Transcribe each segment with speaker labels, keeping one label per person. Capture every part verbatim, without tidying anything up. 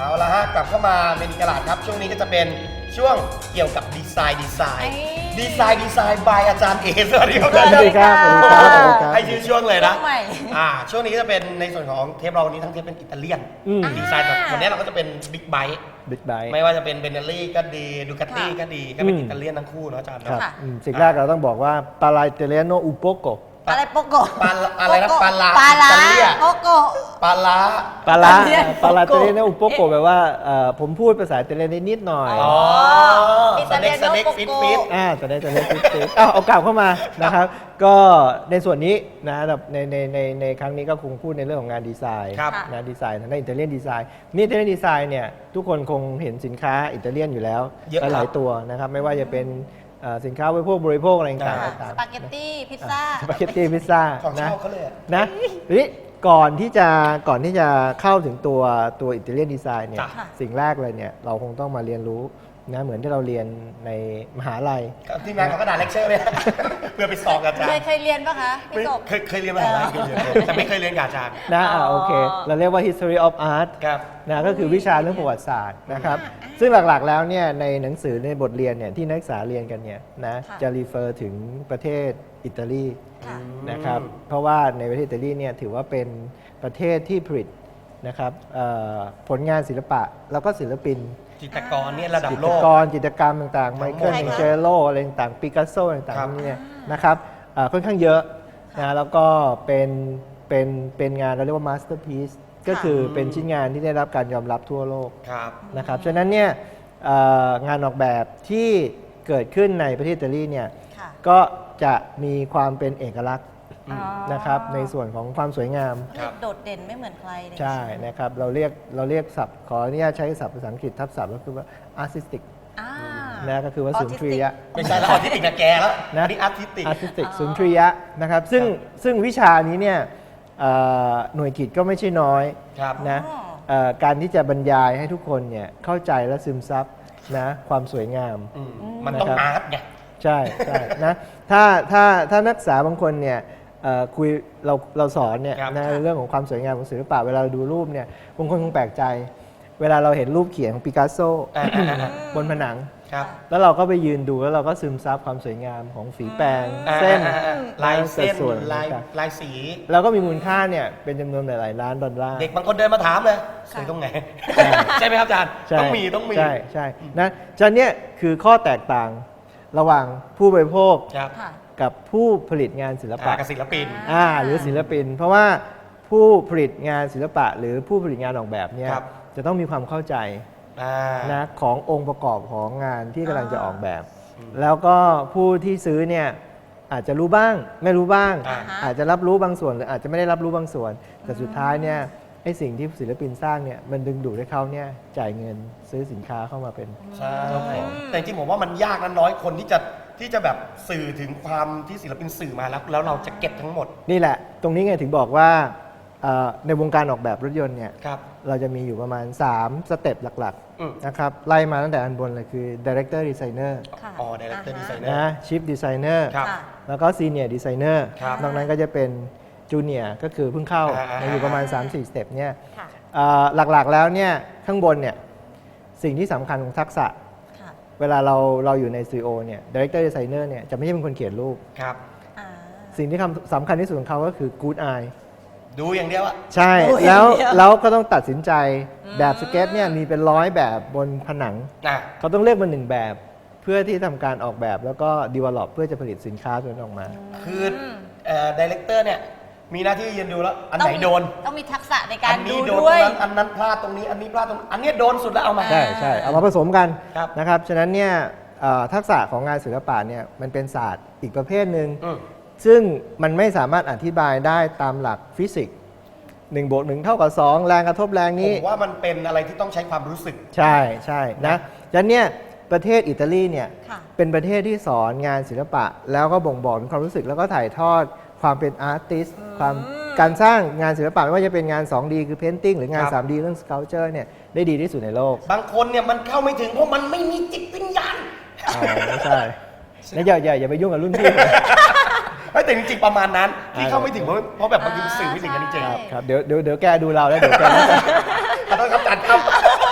Speaker 1: เอาละฮะกลับเข้ามาเมนิกาลาดครับช่วงนี้ก็จะเป็นช่วงเกี่ยวกับดีไซน์ดีไซน์ดีไซน์ดีไซน์บายอาจารย์เอสวัสดีครับ
Speaker 2: สวัสดีครับสวัสดีครับสวัสดีครับ
Speaker 1: ให้ชื่อช่วงเลยนะ
Speaker 3: ช่วงใหม่
Speaker 1: อ่าช่วงนี้ก็จะเป็นในส่วนของเทปเราวันนี้ทั้งเทปเป็นอิตาเลียน
Speaker 2: อืม
Speaker 1: ดีไซน์แบบวันนี้เราก็จะเป็นบิ๊กไบค์
Speaker 2: บิ๊กไบค์
Speaker 1: ไม่ว่าจะเป็นเบนเนลลี่ก็ดีดูคาตี้
Speaker 3: ค่ะ
Speaker 1: ก็ดีก็เป็น
Speaker 2: อืม
Speaker 1: อิตาเลียนทั้งคู่เนาะอาจารย์
Speaker 2: ครับ
Speaker 1: เนาะ
Speaker 3: ค่ะ
Speaker 2: อืมสิ่งแรกเราต้องบอกว่าปาลาเตเลโนอุโปโก
Speaker 3: อะไรโปโก
Speaker 1: ปลาอะไรนะปลาลา
Speaker 3: ปลาลา
Speaker 1: อิตาเลีย
Speaker 3: โปโก
Speaker 1: ปลาลา
Speaker 2: ปาลา
Speaker 3: อิตาเลียน
Speaker 2: ปาลา
Speaker 3: อุโปโก
Speaker 2: เตเลโนอุโปโกแปลว่าเอ่อผมพูดภาษาอิตาเลียนได้นิดหน่อย
Speaker 1: อ๋อ
Speaker 3: อิ
Speaker 1: ส
Speaker 3: ตาเลี
Speaker 1: เน็ก
Speaker 3: ยน
Speaker 1: สเน็ก
Speaker 3: โนโป
Speaker 1: ฟิต
Speaker 3: โก
Speaker 1: ฟิต
Speaker 2: อ่าจะได้จะได้ติดติดอ้าวเอากลับเข้ามานะครับ ก็ในส่วนนี้นะแบบในในในในครั้งนี้ก็คงพูดในเรื่องของงานดีไซน์
Speaker 1: ครับ
Speaker 2: นะดีไซน์ทางด้านอิตาเลียนดีไซน์นี่อิตาเลียนดีไซน์เนี่ยทุกคนคงเห็นสินค้าอิตาเลียนอยู่แล้ว
Speaker 1: เยอะครับ
Speaker 2: หลายๆตัวนะครับไม่ว่าจะเป็นเอ่อสินค้าบริโภคบริโภคอะไรต่าง
Speaker 1: อ่า
Speaker 2: ๆต่าง
Speaker 3: สปาเกตตี้พิซซ่า
Speaker 2: สปาเกตตี้พิซซ่า
Speaker 1: ของ
Speaker 2: นะ
Speaker 1: เช่าเขาเลยอะ
Speaker 2: นะทีนี้ก่อนที่จะก่อนที่จะเข้าถึงตัวตัวอิตาเลียนดีไซน์เนี่ย
Speaker 1: จ้ะ
Speaker 2: สิ่งแรกเลยเนี่ยเราคงต้องมาเรียนรู้นะเหมือนที่เราเรียนในมหาลัย
Speaker 1: ทีมงานเขากระดาษเลคเชอร์เลย เพื่อไปสอบกับอาจาร
Speaker 3: เคย
Speaker 1: ย์
Speaker 3: เคยเรียนปะคะพี่
Speaker 1: ไม่
Speaker 3: กบ
Speaker 1: เคยเคยเรียนมาหลายเคยเรียนแต่ไม่เคยเรียนกับอาจารย์
Speaker 2: นะ
Speaker 3: อ๋
Speaker 2: อ่า
Speaker 3: อ
Speaker 2: โอเค เราเรียกว่า history of art
Speaker 1: ครับ
Speaker 2: นะก็คือวิชาเรื่องประวัติศาสตร์นะครับซึ่งหลักๆแล้วเนี่ยในหนังสือในบทเรียนเนี่ยที่นักศึกษาเรียนกันเนี่ยนะ
Speaker 3: ค่ะ
Speaker 2: จะรีเฟอร์ถึงประเทศอิตาลี
Speaker 3: ค่ะ
Speaker 2: นะครับเพราะว่าในประเทศอิตาลีเนี่ยถือว่าเป็นประเทศที่ผลิตนะครับเอ่อผลงานศิลปะแล้วก็ศิลปิน
Speaker 1: จิตรกรเนี่ยระดับ
Speaker 2: จิ
Speaker 1: โล
Speaker 2: ตร
Speaker 1: ก
Speaker 2: กรจิตรกรรมต่างๆไมเคิล
Speaker 3: ใคร
Speaker 2: แอง
Speaker 3: คะ
Speaker 2: เจโลอะไรต่างๆปิกัสโซต่าง
Speaker 1: ครับ
Speaker 2: ๆเนี่ยนะครับเอ่อค่อนข้างเยอะนะแล้วก็เป็นเป็นเป็นงานเราเรียกว่ามาสเตอร์พีซก็คือเป็นชิ้นงานที่ได้รับการยอมรับทั่วโลก
Speaker 1: ครับ
Speaker 2: นะครับฉะนั้นเนี่ยเอ่องานออกแบบที่เกิดขึ้นในประเทศอิตาลีเนี่ย
Speaker 3: ค่ะ
Speaker 2: ก็จะมีความเป็นเอกลักษณ์
Speaker 1: อืม
Speaker 3: อ๋อ
Speaker 2: นะครับในส่วนของความสวยงาม
Speaker 1: ครับ
Speaker 3: โดดเด่นไม่เหมือนใครเลย
Speaker 2: ใช่นะครับเราเรียกเราเรียกศัพท์ขออนุญาตใช้ศัพท์ภาษาอังกฤษทับศัพท์ก็คือว่า artistic
Speaker 3: อ่า
Speaker 2: นะก็คือว่าสุนทรียะ
Speaker 1: ไม่ใช่แล้วออทิสติกนะแกแล้ว
Speaker 2: นะ
Speaker 1: อันนี้อาร์ติสติก
Speaker 2: artistic สุนทรียะนะครับซึ่งซึ่งวิชานี้เนี่ยเอ่อหน่วยกิจก็ไม่ใช่น้อย
Speaker 1: ครับ
Speaker 2: นะ
Speaker 3: อ๋อ
Speaker 2: เอ่อการที่จะบรรยายให้ทุกคนเนี่ยเข้าใจและซึมซับนะความสวยงาม
Speaker 1: อืมมันต้อง
Speaker 2: นะครับ
Speaker 1: อาร์ตไง
Speaker 2: ใช่ใช่นะถ้าถ้าถ้านักศึกษาบางคนเนี่ยเอ่อคุยเราเราสอนเนี่ย
Speaker 1: ครับ
Speaker 2: นะเรื่องของความสวยงามของศิลปะเวลาเราดูรูปเนี่ยบางคนคงแปลกใจ เวลาเราเห็นรูปเขียนของปิกัสโซ
Speaker 1: อ่าอ่าอ่า
Speaker 2: บนผนัง
Speaker 1: ครับ
Speaker 2: แล้วเราก็ไปยืนดูแล้วเราก็ซึมซับความสวยงามของฝีแปรงเส้น
Speaker 1: อ่าอ่าอ่าลายเส้น
Speaker 2: ส่วน
Speaker 1: ลาย
Speaker 2: ต่าง
Speaker 1: ลายสี
Speaker 2: ๆเราก็มีมูลค่าเนี่ยเป็นจำนวนหลายๆล้านดอลลาร์
Speaker 1: เด็กบางคนเดินมาถามเลยสวยตรงไหน ใช่ไหมครับอาจารย์
Speaker 2: ใช่
Speaker 1: ต้องมีต้องมี
Speaker 2: ใช่ใช่นะฉะนั้นเนี่ยคือข้อแตกต่างระหว่างผู้บริโภค
Speaker 1: ครับ
Speaker 3: ค่ะ
Speaker 2: กับผู้ผลิตงานศิล
Speaker 1: อ่า
Speaker 2: ปะ
Speaker 1: กับศิลปิน
Speaker 2: อ่าหรือศิลปิน เพราะว่าผู้ผลิตงานศิลปะ หรือผู้ผลิตงานออกแบบเนี่ย
Speaker 1: ครับ
Speaker 2: จะต้องมีความเข้าใจ
Speaker 1: อ่า
Speaker 2: นะขององค์ประกอบของงานที่กำลังจะออกแบบ
Speaker 1: อืม
Speaker 2: แล้วก็ผู้ที่ซื้อเนี่ยอาจจะรู้บ้างไม่รู้บ้าง
Speaker 1: อ่า
Speaker 2: อาจจะรับรู้บางส่วนหรืออาจจะไม่ได้รับรู้บางส่วน แต่สุดท้ายเนี่ยไอ้สิ่งที่ศิลปินสร้างเนี่ยมันดึงดูดให้เขาเนี่ยจ่ายเงินซื้อสินค้าเข้ามาเป็น
Speaker 1: ใช่แต่จริงๆผมว่ามันยากนะน้อยคนที่จะที่จะแบบสื่อถึงความที่ศิลปินสื่อมาแล้ว แล้วเราจะเก็บทั้งหมด
Speaker 2: นี่แหละ ตรงนี้ไงถึงบอกว่าเอ่อในวงการออกแบบรถยนต์เนี่ย
Speaker 1: ครับ
Speaker 2: เราจะมีอยู่ประมาณ สเต็ปหลัก
Speaker 1: อืม
Speaker 2: ๆนะครับไล่มาตั้งแต่อันบนเลยคือ Director Designer
Speaker 3: ค่ะ
Speaker 1: อ๋อ Director
Speaker 3: าฮะ
Speaker 1: Designer
Speaker 2: นะ Chief Designer
Speaker 1: ครับ
Speaker 3: ค่ะ
Speaker 2: แล้วก็ Senior Designer
Speaker 1: ครับ
Speaker 2: นอกนั้นก็จะเป็น Junior ก็คือเพิ่งเข้า
Speaker 1: อ่าๆๆ
Speaker 2: อยู่ประมาณ สามสี่ สเต็ปเนี่ย
Speaker 3: ค่ะ
Speaker 2: เอ่อหลักๆแล้วเนี่ยข้างบนเนี่ยสิ่งที่สำคัญของทักษะ
Speaker 3: ค่ะ
Speaker 2: เวลาเราเราอยู่ใน ซี อี โอ เนี่ย Director Designer เนี่ยจะไม่ใช่เป็นคนเขียนรูป
Speaker 1: ครับ
Speaker 3: อ่า
Speaker 2: สิ่งที่คำสำคัญที่สุดของเขาก็คือ Good Eye
Speaker 1: ดูอย่างเดียวอะ
Speaker 2: ใช่
Speaker 3: โอ้ย
Speaker 2: แล้ว
Speaker 3: เดี๋ยว
Speaker 2: แล้วก็ต้องตัดสินใจแบบสเก็ตเนี่ยมีเป็นร้อยแบบบนผนัง
Speaker 1: อ่ะ
Speaker 2: เขาต้องเลือกมาหนึ่งแบบ เพื่อที่ทำการออกแบบแล้วก็ develop เพื่อจะผลิตสินค้าตัวนั้นออกมา
Speaker 1: คือเอ่อดีเลกเตอร์เนี่ยมีหน้าที่ยืนดูแล้ว อันไหน
Speaker 3: ต้องมี
Speaker 1: โดน
Speaker 3: ต้องมีทักษะในกา
Speaker 1: อั
Speaker 3: ร
Speaker 1: นี้
Speaker 3: ดู
Speaker 1: โดนต
Speaker 3: ด้
Speaker 1: ร
Speaker 3: ว
Speaker 1: ง
Speaker 3: ย
Speaker 1: นั้นอันนั้นพลาดตรงนี้อันนี้พลาดตรงอันนี้โดนสุดแล้วเอามา
Speaker 2: ใช่ใช่เอามาผสมกัน
Speaker 1: ครับ
Speaker 2: นะครับ ฉะนั้นเนี่ยเอ่อทักษะของงานศิลปะเนี่ยมันเป็นศาสตร์อีกประเภทหนึ่ง
Speaker 1: อืม
Speaker 2: ซึ่งมันไม่สามารถอธิบายได้ตามหลักฟิสิกส์หนึ่งบวกหนึ่งเท่ากับสองแรงกระทบแรง
Speaker 1: ผ
Speaker 2: นี้
Speaker 1: มว่ามันเป็นอะไรที่ต้องใช้ความรู้สึก
Speaker 2: ใช่ใช่นะฉะนั้นเนี่ยประเทศอิตาลีเนี่ย
Speaker 3: ค่ะ
Speaker 2: เป็นประเทศที่สอนงานศิลปะ แล้วก็บ่งบอกถึงความรู้สึกแล้วก็ถ่ายทอดความเป็นอาร์ติสความการสร้างงานศิลปะไม่ว่าจะเป็นงาน สองดี คือเพนติ้งหรืองาน
Speaker 1: ครับ
Speaker 2: ทรีดี เรื่องสเกลเจอร์เนี่ยได้ดีที่สุดในโลก
Speaker 1: บางคนเนี่ยมันเข้าไม่ถึงเพราะมันไม่มีจิตวิญญาณ
Speaker 2: อ๋อไม่ใช่นะอย่าอย่าอย่าไปยุ่งกับรุ่นพี่
Speaker 1: เฮ้ยแต่จริงๆประมาณนั้นที่
Speaker 2: อ่า
Speaker 1: เข้าไม่ถึงเพราะเพราะแบบบางทีมันสื่อไม่ถึงกันจริง
Speaker 3: ใช่
Speaker 2: ครับเดี๋ยวเดี๋ยวเดี๋ยวแกดูเราแล้วเดี๋ยวแก
Speaker 1: ๆขอโทษครับอาจารย์ครับ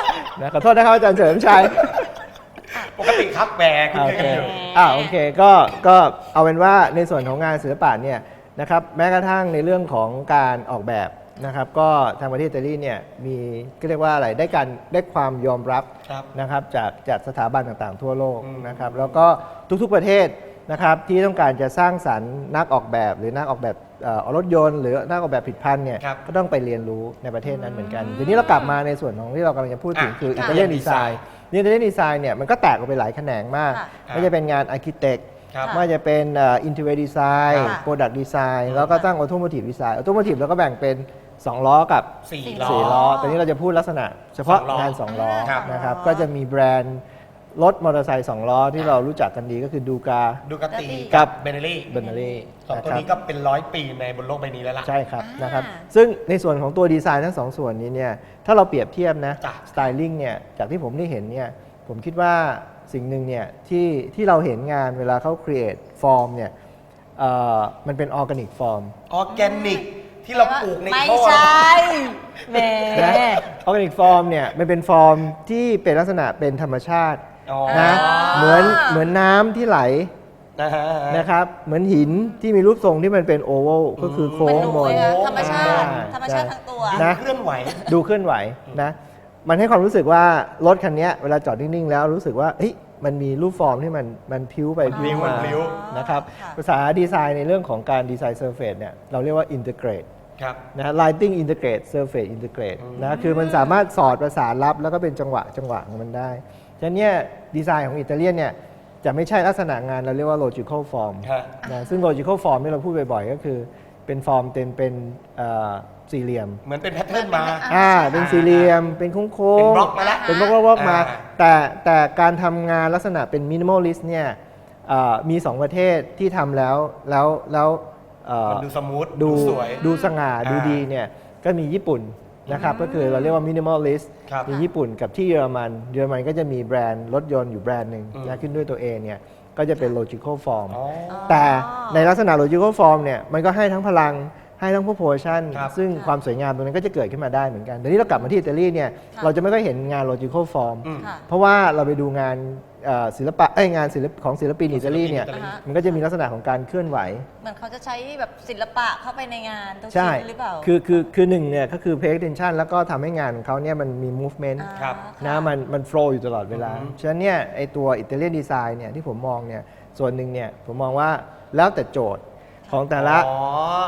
Speaker 2: นะขอโทษนะครับอาจารย์เฉลิมชัย
Speaker 1: ปกติครับแหมคุณ
Speaker 2: โอ
Speaker 1: เคย
Speaker 2: เค
Speaker 1: กันอยู่
Speaker 2: อ่าโอเคก็ก็เอาเป็นว่าในส่วนของงานศิลปะเนี่ยนะครับแม้กระทั่งในเรื่องของการออกแบบนะครับก็ทางประเทศอิตาลีเนี่ยมีก็เรียกว่าอะไรได้การได้ความยอมรับ
Speaker 1: ครับ
Speaker 2: นะครับจากจากสถาบันต่างๆ ทั่วโลก
Speaker 1: อืม
Speaker 2: นะครับแล้วก็ทุกๆประเทศนะครับที่ต้องการจะสร้างสรรค์นักออกแบบ หรือนักออกแบบเอ่อรถยนต์ หรือนักออกแบบผลิตภัณฑ์เนี่ย
Speaker 1: ครับ
Speaker 2: ก็ต้องไปเรียนรู้ในประเทศนั้นเหมือนกันทีนี้เรากลับมาในส่วนของที่เรากำลังจะพูดถึง
Speaker 1: อ่ะ
Speaker 2: คืออิ
Speaker 1: ค่ะ
Speaker 2: ตาเลียนดีไซน์อิตาเลียนดีไซน์เนี่ยมันก็แตกออกไปหลายแขนงมาก
Speaker 3: ค่ะ
Speaker 2: ไม่ว่าจะเป็นงานอาร์เคเต็ก
Speaker 1: ครับ
Speaker 2: ไม่ว่าจะเป็นอินเทอร์เน็ตดีไซน์
Speaker 3: ค่ะ
Speaker 2: โปรดักต์ดีไซน์แล้วก็ตั้งออโตโมทีฟดีไซน์ออโตโมทีฟเราก็แบ่งเป็น สอง ล้อกับ
Speaker 1: สี่
Speaker 3: ล้อ
Speaker 2: สี่ ล้อแต่นี้เราจะพูดลักษณะเฉพาะ
Speaker 1: สองล้อง
Speaker 2: าน สอง ล้อ
Speaker 1: ครับ
Speaker 2: นะครับก็จะมีแบรนด์รถมอเตอร์ไซค์สองล้อที่เรารู้จักกันดีก็คือดูกา
Speaker 1: ดูกาติ
Speaker 2: กั
Speaker 1: กับ เบเนลี่
Speaker 2: เบนเนอรี่
Speaker 1: สองตัวนี้ก็เป็นร้อยปีในบนโลกใบนี้แล้วล่ะ
Speaker 2: ใช่ครับ
Speaker 3: อ่าน
Speaker 2: นะครับซึ่งในส่วนของตัวดีไซน์ทั้งสองส่วนนี้เนี่ยถ้าเราเปรียบเทียบนะ
Speaker 1: จ้ะ
Speaker 2: สไตลิ่งเนี่ยจากที่ผมได้เห็นเนี่ยผมคิดว่าสิ่งหนึ่งเนี่ยที่ที่เราเห็นงานเวลาเขา create form เนี่ยเอ่อมันเป็น organic form
Speaker 1: ออร์แกนิกที่เราปลูกใน
Speaker 3: ไม่
Speaker 1: ท่อ
Speaker 3: ใช่แหม
Speaker 2: นะ organic form เนี่ยมันเป็นฟอร์มที่เป็นลักษณะเป็นธรรมชาติ
Speaker 1: อ๋อ
Speaker 2: นะเหมือนเหมือนน้ำที่ไหล
Speaker 1: นะฮะ
Speaker 2: นะครับเหมือนหินที่มีรูปทรงที่มันเป็นโอเวลก็คือโค้
Speaker 3: มัน
Speaker 2: ง
Speaker 3: ดู
Speaker 2: มน
Speaker 3: เลยอะธรรมชาติ
Speaker 2: อ่
Speaker 3: ธรรมชาติทั้งตัว
Speaker 2: นะ
Speaker 1: เคลื่อนไหว
Speaker 2: ดูเคลื่อนไหวนะมันให้ความรู้สึกว่ารถคันนี้เวลาจอดนิ่ง ๆ แล้วรู้สึกว่าเฮ้ยมันมีรูปฟอร์มที่มันมันพิ้วไป
Speaker 1: มันพลิ้ว
Speaker 2: มา
Speaker 1: มันพลิ้ว
Speaker 2: นะครับ
Speaker 3: ค่ะ
Speaker 2: ภาษาดีไซน์ในเรื่องของการดีไซน์เซอร์เฟซเนี่ยเราเรียกว่า integrate
Speaker 1: ครับ
Speaker 2: นะ lighting integrate surface integrate นะคือมันสามารถสอดประสานรับแล้วก็เป็นจังหวะจังหวะของมันได้ฉะนั้นเนี่ยดีไซน์ของอิตาเลียนเนี่ยจะไม่ใช่ลักษณะงานเราเรียกว่า logical form
Speaker 1: ฮะ
Speaker 2: นะซึ่ง logical form ที่เราพูดบ่อยๆก็คือเป็นฟอร์มเป็นเป็นเอ่อสี่เหลี่ยม
Speaker 1: เหมือนเป็นแพทเทิร์นมา
Speaker 2: อ่าเป็นสี่เหลี่ยมเป็นโค้งโค้ง
Speaker 1: เป็นบล็อกมาแล้ว
Speaker 2: เป็นบล็อกบล็อกบล็อกมา
Speaker 1: อ่า
Speaker 2: แต่แต่การทำงานลักษณะเป็น minimalist เนี่ยเอ่อมีสองประเทศที่ทำแล้วแล้วแล้วเอ่อ
Speaker 1: มันดูสมูท
Speaker 2: ดู
Speaker 1: สวย
Speaker 2: ดูสง่า
Speaker 1: อ่า
Speaker 2: ดูดีเนี่ยก็มีญี่ปุ่นนะครับก็คือเราเรียกว่า minimalist
Speaker 1: ครับ
Speaker 2: มีญี่ปุ่นกับที่เยอรมันเยอรมันก็จะมีแบรนด์รถยนต์อยู่แบรนด์หนึ่ง
Speaker 1: อืม
Speaker 2: นะขึ้นด้วยตัวเองเนี่ยก็จะเป็น logical form
Speaker 1: อ๋อ
Speaker 2: แต่ในลักษณะ logical form เนี่ยมันก็ให้ทั้งพลังให้ทั้ง proportion
Speaker 1: ครับ
Speaker 2: ซึ่งความสวยงามตรงนั้นก็จะเกิดขึ้นมาได้เหมือนกันเดี๋ยวนี้เรากลับมาที่อิตาลีเนี่ย
Speaker 3: ค่ะ
Speaker 2: เราจะไม่ค่อยเห็นงาน logical form
Speaker 1: อืม
Speaker 3: ค่ะ
Speaker 2: เพราะว่าเราไปดูงานเอ่อศิลปะเอ้ยงานศิลปของศิลปินอิตาลีเนี่ย
Speaker 1: ศิลปินอิตาลี
Speaker 3: อ่าฮะ
Speaker 2: มันก็จะมีลักษณะของการเคลื่อนไหว
Speaker 3: เหมือนเขาจะใช้แบบศิลปะเข้าไปในงานทุก
Speaker 2: ใช่
Speaker 3: ชิ้นหรือเปล่า
Speaker 2: คือคือคือหนึ่งเนี่ยก็คือ pay attention แล้วก็ทำให้งานของเขาเนี่ยมันมี movement
Speaker 3: อ่า
Speaker 1: ครับ
Speaker 2: นะมันมัน flow อยู่ตลอดเวลา
Speaker 1: อือฮึ
Speaker 2: ฉะนั้นเนี่ยไอตัวอิตาเลียนดีไซน์เนี่ยที่ผมมองเนี่ยส่วนหนึ่งเนี่ยผมมองว่าแล้วแต่โจทย์ของแต่ละ
Speaker 1: อ๋อบ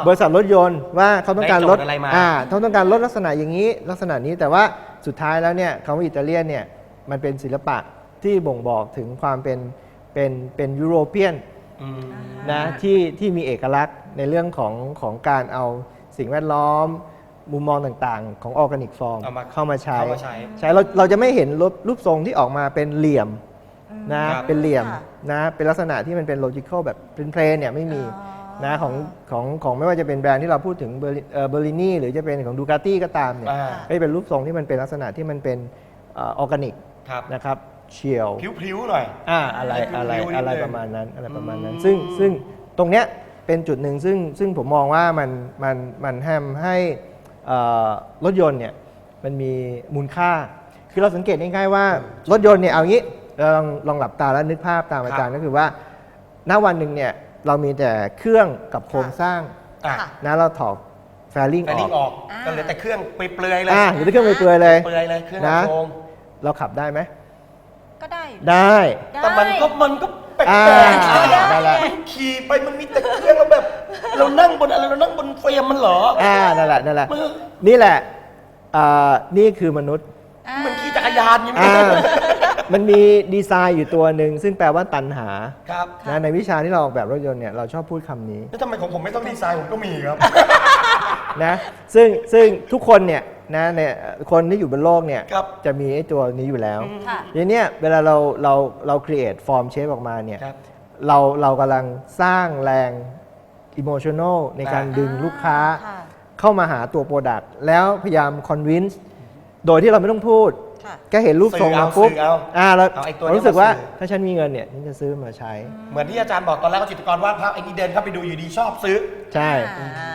Speaker 2: ริษัทรถยนต์ว่าเขาต้องการรถ
Speaker 1: ได้โจทย์อะไรมา
Speaker 2: อ่าเขาต้องการรถลักษณะอย่างนี้ลักษณะนี้แต่ว่าสุดท้ายแล้วเนี่ยคำว่าอิตาเลียนเนี่ยมันเป็นศิลปะที่บ่งบอกถึงความเป็นเป็นเป็นยุโรเปียน
Speaker 1: อืม
Speaker 2: นะที่ที่มีเอกลักษณ์ในเรื่องของของการเอาสิ่งแวดล้อม มุมมองต่างๆ ของออร์แกนิกฟอร์ม
Speaker 1: เอามา
Speaker 2: เข้ามาใช้
Speaker 1: เข้ามาใช้
Speaker 2: ใช้เราเราจะไม่เห็นรูปรูปทรงที่ออกมาเป็นเหลี่ยมนะครับ เป็นเหลี่ยม
Speaker 3: ค่ะ
Speaker 2: นะเป็นลักษณะที่มันเป็นโลจิคอลแบบเป็นเพลนเนี่ยไม่มี
Speaker 3: อ๋อ
Speaker 2: นะของของของไม่ว่าจะเป็นแบรนด์ที่เราพูดถึงเบอร์เบอร์ลินี่หรือจะเป็นของดูคาตี้ก็ตามเนี่ย
Speaker 1: อ่า
Speaker 2: ก็จะเป็นรูปทรงที่มันเป็นลักษณะที่มันเป็นออร์แกนิก
Speaker 1: ครับ
Speaker 2: นะครับเฉียว
Speaker 1: พลิ้วๆหน่อย
Speaker 2: อ่าอะไร
Speaker 1: ให้
Speaker 2: อะไร
Speaker 1: พลิ้วๆนิดนึง
Speaker 2: อะไรประมาณนั้นอะไรประมาณนั้น
Speaker 1: อืม
Speaker 2: ซึ่งซึ่งตรงเนี้ยเป็นจุดหนึ่งซึ่งซึ่งผมมองว่ามันมันมันแฮมให้เอ่อรถยนต์เนี่ยมันมีมูลค่า คือเราสังเกตง่ายๆว่ารถยนต์เนี่ยเอางี้เราลองลองหลับตาแล้วนึกภาพตามอาจารย์ก็คือว่าณวันหนึ่งเนี่ยเรามีแต่เครื่องกับโครงสร้าง
Speaker 1: อ่ะ
Speaker 3: ค่ะ
Speaker 2: นะเราถอดแฟลิ่ง
Speaker 1: แฟ
Speaker 2: อ
Speaker 1: ลิ่
Speaker 2: อง ก
Speaker 1: ออก
Speaker 3: อ่า
Speaker 1: ก็เหลือแต่เครื่องเปลือยๆเลย
Speaker 2: อ่าหรือเครื่องเปลือยๆเลย
Speaker 1: เปลือยเลยเครื่อง
Speaker 2: นะ
Speaker 1: โครง
Speaker 2: เราขับได้ไหม
Speaker 3: ก็ได้อยู่
Speaker 2: ได้
Speaker 1: แต่มันก็มันก็แปลก
Speaker 2: อ่า
Speaker 1: ๆ
Speaker 2: ได้แล้ว
Speaker 1: มันขี่ไปมันมีแต่เครื่องแล้วแบบ เรานั่งบนอะไรเรานั่งบนเฟรมมันเหรอ
Speaker 2: อ่านั่นแหละนั่นแหละ
Speaker 1: มือ
Speaker 2: นี่แหละอ่านี่คือมนุษย์
Speaker 3: อ่า
Speaker 1: มันขี่จักรยานอยังไง
Speaker 2: อ่ามันมีดีไซน์อยู่ตัวหนึ่งซึ่งแปลว่าตัณหา
Speaker 1: ครับ
Speaker 2: นะในวิชาที่เราออกแบบรถยนต์เนี่ยเราชอบพูดคำนี้
Speaker 1: แล้วทำไมของผมไม่ต้องดีไซน์ผมก็มีครับ
Speaker 2: นะซึ่งซึ่งทุกคนเนี่ยนะเนี่ยคนที่อยู่บนโลกเนี่ย
Speaker 1: ครับ
Speaker 2: จะมีไอ้ตัวนี้อยู่แล้ว
Speaker 3: ค่ะ
Speaker 2: ทีเนี้ยเวลาเราเราเรา create form shape ออกมาเนี่ย
Speaker 1: ครับ
Speaker 2: เราเรากำลังสร้างแรง emotional ในการ
Speaker 1: อ่า
Speaker 2: ดึงลูกค้า
Speaker 3: ค่ะ
Speaker 2: เข้ามาหาตัว Product แล้วพยายาม convince โดยที่เราไม่ต้องพูด
Speaker 3: ค่ะ
Speaker 2: แค่เห็นรูปทรง
Speaker 1: สื่อเอา
Speaker 2: มาปุ๊บ
Speaker 1: สื่อเอา
Speaker 2: อ่าเรา
Speaker 1: เอาไอ้ตัว
Speaker 2: เรารู้สึกว่า
Speaker 1: นี้มาสื่อ
Speaker 2: ถ้าฉันมีเงินเนี่ยฉันจะซื้อมาใช้
Speaker 1: เหมือนที่อาจารย์บอกตอนแรกว่าจิตรกรวาดภาพไอ้นี่เดินเข้าไปดูอยู่ดีชอบซื้อ
Speaker 2: ใช่
Speaker 3: อ่า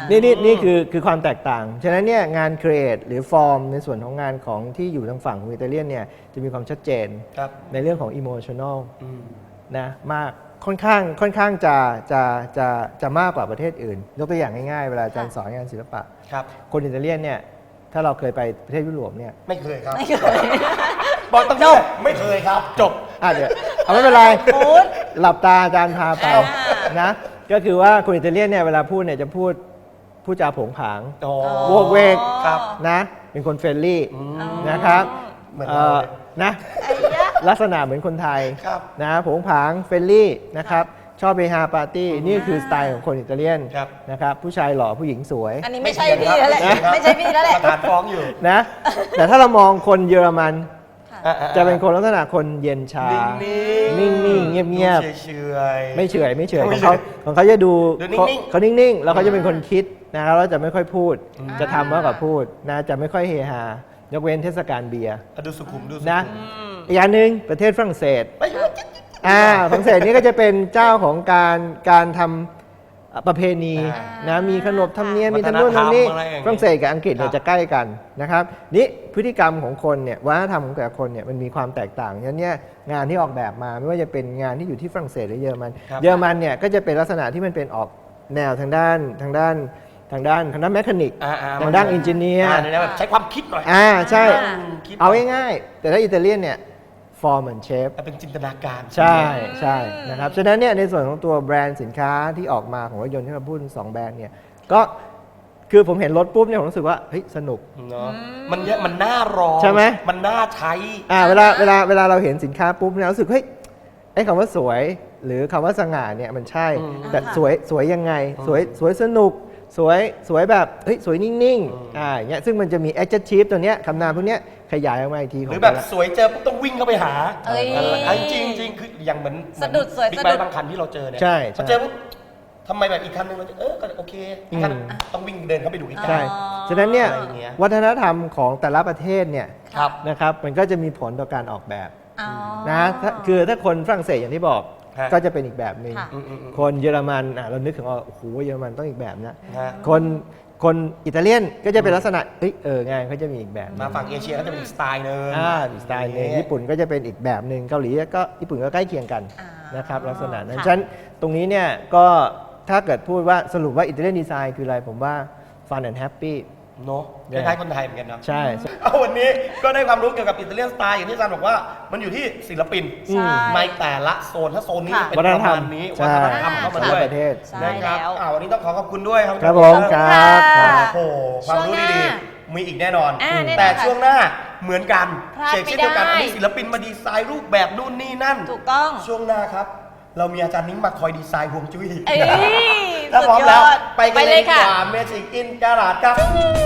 Speaker 2: นี่นี่นี่คือคือความแตกต่าง ฉะนั้นเนี่ยงานครีเอทหรือฟอร์มในส่วนของงานของที่อยู่ทางฝั่งของอิตาเลียนเนี่ยจะมีความชัดเจน
Speaker 1: ครับ
Speaker 2: ในเรื่องของอิโมชัน a ล
Speaker 1: อืม
Speaker 2: นะมากค่อนข้างค่อนข้างจะจะจะจะมากกว่าประเทศอื่น ยกตัวอย่างง่ายๆ เวลาอาจารย์สอนงานศิลปะ
Speaker 1: ครับ
Speaker 2: คนอิตาเลียนเนี่ยถ้าเราเคยไปประเทศยุโรปเนี่ย
Speaker 1: ไม่เคยครับ
Speaker 3: ไม่เคย
Speaker 1: บอกต้องจบไม่เคยครับ จบ
Speaker 2: อ่ะเดี๋ยวเอาไม่เป็นไร
Speaker 3: พูด
Speaker 2: หลับตาอาจารย์พาไป
Speaker 3: อ่า
Speaker 2: นะก็คือว่าคนอิตาเลียนเนี่ยเวลาพูดเนี่ยจะพูดพูดจาโผงผาง
Speaker 1: อ๋อ
Speaker 2: โวกเวก
Speaker 1: ครับ
Speaker 2: นะเป็นคนเฟรนลี่
Speaker 1: อืม
Speaker 2: นะครับ
Speaker 1: เหมือน
Speaker 2: เอ่
Speaker 1: เรา
Speaker 2: อ
Speaker 1: เลย
Speaker 2: นะ
Speaker 3: ไอ้ยะ
Speaker 2: ลักษณะเหมือนคนไทย
Speaker 1: ครับ
Speaker 2: นะโผงผางเฟรนลี่นะครับชอบเฮฮาปาร์ตี้นี่คือสไตล์ของคนอิตาเลียน
Speaker 1: ครับ
Speaker 2: นะครับผู้ชายหล่อผู้หญิงสวย
Speaker 3: อันนี้ไม่ใช่
Speaker 1: ไม่
Speaker 3: พี่
Speaker 1: เถียง
Speaker 3: แล้วแหละ
Speaker 1: ครับ
Speaker 3: ไม่ใช่พี่แล้วแหละ
Speaker 1: ประธานฟ้องอยู่
Speaker 2: นะ แต่ถ้าเรามองคนเยอรมัน
Speaker 1: อ่ๆๆ
Speaker 2: จะเป็นคนลักษณะคนเย็นชา
Speaker 1: นิ่งๆ
Speaker 2: นิ่งๆเงียบๆ
Speaker 1: ดูเฉยๆ
Speaker 2: ไม่เฉอยไม่เฉอย
Speaker 1: ไม่
Speaker 2: ของ
Speaker 1: เฉ
Speaker 2: เขา
Speaker 1: ย
Speaker 2: ของเขาจะดู
Speaker 1: ดูนิ่งๆ
Speaker 2: เขาเขานิ่งๆ แล้วเขาจะเป็นคนคิดนะครับแล้วจะไม่ค่อยพูด
Speaker 1: อืม
Speaker 2: จะทำมากกว่าพูดนะจะไม่ค่อยเฮฮายกเว้นเทศกาลเบียร์
Speaker 1: อ่ะดูสุขุมดูสุ
Speaker 2: นะ
Speaker 1: ขุม
Speaker 2: อีกอย่างหนึ่งประเทศฝรั่งเศส
Speaker 1: ไม่อยู่
Speaker 2: อ่าฝรั่งเศสนี่ก็จะเป็นเจ้าของการการทำประเพณี
Speaker 1: อ่า
Speaker 2: นะมีขนบธรรมเนียมมี
Speaker 1: วัฒ
Speaker 2: ทำ
Speaker 1: น
Speaker 2: นู่น
Speaker 1: ธรรม
Speaker 2: ทำนี่
Speaker 1: อะไรอย่างงี้
Speaker 2: ฝรั่งเศสกับอังกฤษเนี่ย
Speaker 1: ครับ
Speaker 2: จะใกล้กันนะครับนี่พฤติกรรมของคนเนี่ยวัฒนธรรมของแต่ละคนเนี่ยมันมีความแตกต่างฉะนั้นเนี่ยงานที่ออกแบบมาไม่ว่าจะเป็นงานที่อยู่ที่ฝรั่งเศสหรือเยอรมัน
Speaker 1: ครับ
Speaker 2: เยอรมันเนี่ยก็จะเป็นลักษณะที่มันเป็นออกแนวทางด้านทางด้านทางด้านทางด้านแมคานิก
Speaker 1: อ่าๆ
Speaker 2: ทางด้านอินจิเนียร์
Speaker 1: อ่าในนั้นแบบใช้ความคิดหน่อย
Speaker 2: อ่าใช่
Speaker 3: อ่า
Speaker 1: คิด
Speaker 2: เอาง่ายๆแต่ถ้าอิตาเลียนเนี่ยฟอร์มเหมือนเชฟ
Speaker 1: เป็นจินตนาการ
Speaker 2: ใช่ใช่นะครับฉะนั้นเนี่ยในส่วนของตัวแบรนด์สินค้าที่ออกมาของรถยนต์ที่เราพูดถึงสองแบรนด์เนี่ยก็คือผมเห็นรถปุ๊บเนี่ยผมรู้สึกว่าเฮ้ยสนุก
Speaker 1: เนาะมันเยอะมันน่ารอง
Speaker 2: ใช่ไหม
Speaker 1: มันน่าใช้
Speaker 2: อ่าเวลาเวลาเวลาเราเห็นสินค้าปุ๊บเนี่ยรู้สึกเฮ้ยไอ้คำว่าสวยหรือคำว่าสง่าเนี่ยมันใช่
Speaker 1: อืม
Speaker 2: แต่
Speaker 3: อ่า
Speaker 2: สวยสวยยังไง
Speaker 1: อืม
Speaker 2: สวยสวยสนุกสวยสวยแบบเฮ้ยสวยนิ่งๆอ่าอย่างเงี้ยซึ่งมันจะมี adjective ตัวเนี้ยคำนามพวกเนี้ยขยายออกมาอีกทีข
Speaker 1: ห
Speaker 2: อง
Speaker 1: รือแบบ
Speaker 2: แต่ละ
Speaker 1: สวยเจอปุ๊บต้องวิ่งเข้าไปหา
Speaker 3: เอ้ย
Speaker 1: อันจริงจริงๆคืออย่างเหมือน
Speaker 3: สะดุดสวย
Speaker 1: บิ๊ก
Speaker 3: สะ
Speaker 1: ไบ
Speaker 3: ดุด
Speaker 1: ค์บางคันที่เราเจอเนี่ย
Speaker 2: ใช่
Speaker 1: พอ
Speaker 2: ใช่
Speaker 1: เจอปุ๊บทำไมแบบอีกคันนึงเราจะเออก็โอเคอีกคัน
Speaker 2: อืม
Speaker 1: ต้องวิ่งเดินเข้าไปดูอีกคัน
Speaker 2: ใช่
Speaker 3: อ๋อ
Speaker 2: ฉะนั้นเนี่ย
Speaker 1: อะไรอย่างเงี้ย
Speaker 2: วัฒนธรรมของแต่ละประเทศเนี่ย
Speaker 1: ครับ
Speaker 2: นะครับมันก็จะมีผลต่อการออกแบบ
Speaker 3: อ๋อ
Speaker 2: นะถ้าคือถ้าคนฝรั่งเศสอย่างที่บอก
Speaker 1: ฮะ
Speaker 2: ก็จะเป็นอีกแบบหนึ่ง
Speaker 3: ค่ะ
Speaker 1: อืมอืมอืม
Speaker 2: คนเยอรมันอ่ะเรานึกถึงว่าโอ้โหเยอรมันต้องอีกแบบนะ
Speaker 1: ฮะ
Speaker 2: คนคนอิตาเลียนก็จะเป็นลักษณะเอ้ยเอองานเขาจะมีอีกแบบหนึ่
Speaker 1: มาฝั่งเอเชียก็จะเป็นอีกสไตล์หนึง
Speaker 2: อ่าอีกสไตล์หนึงญี่ปุ่นก็จะเป็นอีกแบบหนึ่งเกาหลีก็ญี่ปุ่นก็ใกล้เคียงกัน
Speaker 3: อ่าน
Speaker 2: นะครับลักษณะนั้น
Speaker 3: ค่ะ
Speaker 2: ฉะนั้นตรงนี้เนี่ยก็ถ้าเกิดพูดว่าสรุปว่าอิตาเลียนดีไซน์คืออะไรผมว่า fun and happy
Speaker 1: เนาะคล้ายๆคนไทยเหมือนกันเนาะ
Speaker 2: ใช่
Speaker 1: เอาวันนี้ก็ได้ความรู้เกี่ยวกับอิตาเลียนสไตล์อย่างที่อาจารย์บอกว่ามันอยู่ที่ศิลปิน
Speaker 3: ใช่
Speaker 1: ในแต่ละโซนถ้าโซนนี้
Speaker 3: ค่ะ
Speaker 1: เป็น
Speaker 2: วั
Speaker 1: ป
Speaker 2: ฒน
Speaker 1: ระ
Speaker 2: ธรร
Speaker 1: มาม ณนี้
Speaker 2: ใช่
Speaker 1: วัฒนธรรมเข้ามาด้วย
Speaker 2: ประเทศ
Speaker 3: ใช่
Speaker 1: นะครับ
Speaker 3: แล้ว
Speaker 1: อ่าวันนี้ต้องขอขอบคุณด้วยครับ
Speaker 2: ครับผมครับ
Speaker 3: ค่ะ
Speaker 2: ครับ
Speaker 1: โอ้โหความรู้
Speaker 3: ช่วงห
Speaker 1: ดี
Speaker 3: น้า
Speaker 1: ๆมีอีกแน่นอน
Speaker 3: อ่าแน่นอน
Speaker 1: แต่
Speaker 3: ค่ะ
Speaker 1: ช่วงหน้าเหมือนกัน
Speaker 3: พลาด
Speaker 1: เช่นเดียวกัน
Speaker 3: ไม่ได้
Speaker 1: อันนี้ศิลปินมาดีไซน์รูปแบบนู่นนี่นั่น
Speaker 3: ถูกต้อง
Speaker 1: ช่วงหน้าครับ เรามีอาจารย์นิ้งมาคอยดีไซน์ฮวงจุ้ย
Speaker 3: เอ้ย
Speaker 1: ถ้าพร้อมแล้ว
Speaker 3: สุดยอด
Speaker 1: ไปกันเลยดี
Speaker 3: ค่ะ
Speaker 1: กว่าเมจิกอินการาดครับ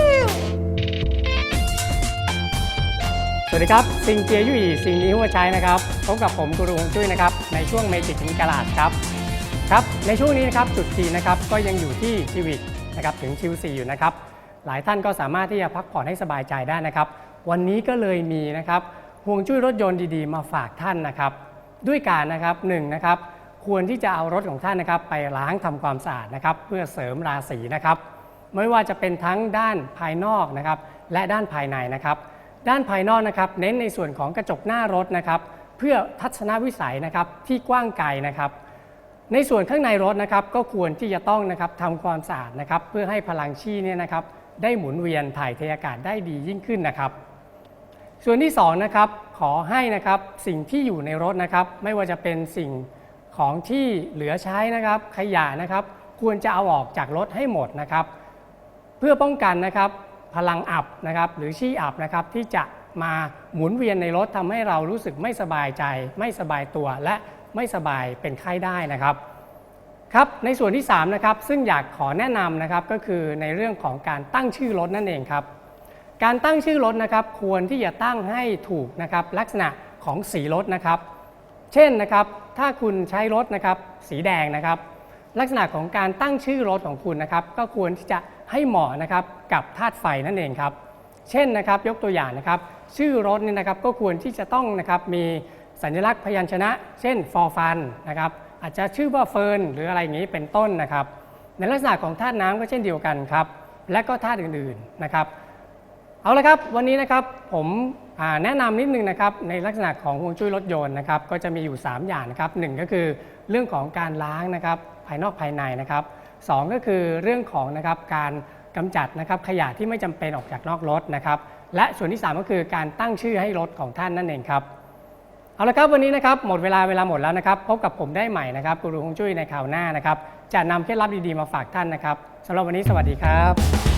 Speaker 4: สวัสดีครับซิงเจียยุ่ยสิ่งนี้หัวใจนะครับพบกับผมกูรูฮวงจุ้ยนะครับในช่วงเมจิกอินกาลาดครับครับในช่วงนี้นะครับจุดจีนนะครับก็ยังอยู่ที่ชิวิกนะครับถึงชิวซีอยู่นะครับหลายท่านก็สามารถที่จะพักผ่อนให้สบายใจได้นะครับวันนี้ก็เลยมีนะครับฮวงจุ้ยรถยนต์ดีๆมาฝากท่านนะครับด้วยการนะครับหนึ่งนะครับควรที่จะเอารถของท่านนะครับไปล้างทำความสะอาดนะครับเพื่อเสริมราศีนะครับไม่ว่าจะเป็นทั้งด้านภายนอกนะครับและด้านภายในนะครับด้านภายนอกนะครับเน้นในส่วนของกระจกหน้ารถนะครับเพื่อทัศนวิสัยนะครับที่กว้างไกลนะครับในส่วนข้างในรถนะครับก็ควรที่จะต้องนะครับทำความสะอาดนะครับเพื่อให้พลังชีเนี่ยนะครับได้หมุนเวียนถ่ายเทอากาศได้ดียิ่งขึ้นนะครับส่วนที่สองนะครับขอให้นะครับสิ่งที่อยู่ในรถนะครับไม่ว่าจะเป็นสิ่งของที่เหลือใช้นะครับขยะนะครับควรจะเอาออกจากรถให้หมดนะครับเพื่อป้องกันนะครับพลังอับนะครับหรือชี่อับนะครับที่จะมาหมุนเวียนในรถทำให้เรารู้สึกไม่สบายใจ ไม่สบายตัวและไม่สบายเป็นไข้ได้นะครับครับในส่วนที่สามนะครับซึ่งอยากขอแนะนำนะครับก็คือในเรื่องของการตั้งชื่อรถนั่นเองครับการตั้งชื่อรถนะครับควรที่จะตั้งให้ถูกนะครับลักษณะของสีรถนะครับเช่นนะครับถ้าคุณใช้รถนะครับสีแดงนะครับลักษณะของการตั้งชื่อรถของคุณนะครับก็ควรที่จะให้เหมาะนะครับกับธาตุไฟนั่นเองครับเช่นนะครับยกตัวอย่างนะครับชื่อรถเนี่ยนะครับก็ควรที่จะต้องนะครับมีสัญลักษณ์พยัญชนะ เช่นฟอร์ฟันนะครับอาจจะชื่อว่าเฟิร์นหรืออะไรอย่างนี้เป็นต้นนะครับในลักษณะของธาตุน้ำก็เช่นเดียวกันครับและก็ธาตุอื่นๆนะครับเอาละครับวันนี้นะครับผมแนะนำนิดนึงนะครับในลักษณะของฮวงจุ้ยรถยนต์นะครับก็จะมีอยู่สามอย่างนะครับหนึ่งก็คือเรื่องของการล้างนะครับภายนอกภายในนะครับสองก็คือเรื่องของนะครับการกำจัดนะครับขยะที่ไม่จำเป็นออกจากนอกรถนะครับและส่วนที่สามก็คือการตั้งชื่อให้รถของท่านนั่นเองครับเอาละครับวันนี้นะครับหมดเวลาเวลาหมดแล้วนะครับพบกับผมได้ใหม่นะครับกูรูฮวงจุ้ยในคราวหน้านะครับจะนำเคล็ดลับดีๆมาฝากท่านนะครับสำหรับวันนี้สวัสดีครับ